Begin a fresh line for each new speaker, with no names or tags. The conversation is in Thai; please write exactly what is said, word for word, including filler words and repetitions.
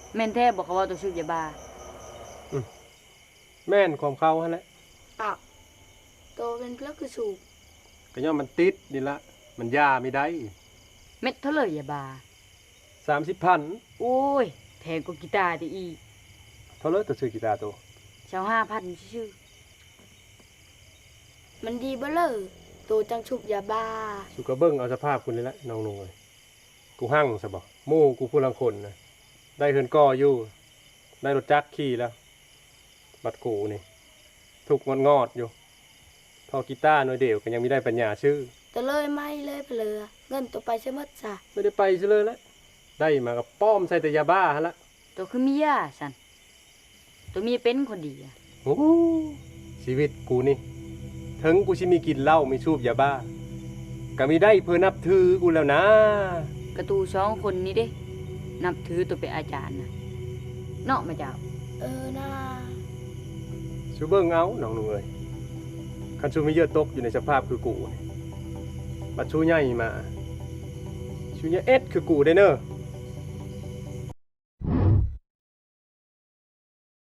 แม่นแท้บอกเขาว่าตัวสูบยาบ้า
แม่นความเขาหั่นแหละ
อ้าวโตเป็นเพลคือสูบ
ก็ย่อมมันติดนี่ละมันยาไม่ได้
เม็ดเท่าเลยยาบ้า
สามสิบพัน
โอ้ยแพงกว่ากีตาร์อีก
เท่าเลยตัวซื้อกีตาร์ตัว
เช้าห้าพันชื่อ
มันดีเบ้อเลยโตจังชุบยาบ้า
สุกะเบิ้งเอาสภาพคุณนี่ละน้องนุ่งเลยกูหั่งซะบ่หมู่กูผู้ลังคนนะได้เฮือนก่ออยู่ได้รถจักรขี่แล้วบัดกูนี่ทุกงอดงอดอยู่พอกีตาร์หน่อยเดียวก็ยังไม่ได้ปัญญาชื่อ
แต่เลยไม่เลยเพลอเงินตัวไปใช่มั้ยจ้ะ
ไม่ได้ไปซะเลยละได้มากับป้อมใส่แต่ยาบ้าฮะละ
ตัวคือเมียสันตัวเมียเป็นคนดีอ่ะ
โอ้ชีวิตกูนี่ถึงกูชิมีกินเหล้ามีสูบยาบ้าก็มีได้เพื่อนับถือกูแล้วนะ
กระตูสองคนนี้เด้นับถือตัวเป็นอาจารย์นะเนาะมาเจ้า
เออน่า
ชูเบิ้งเอาน้องหนูเอ้ยคันชูมีเยอะตกอยู่ในสภาพคือกูบัดชูใหญ่มาชูใหญ่เอ็ดคือกูได้เนอะ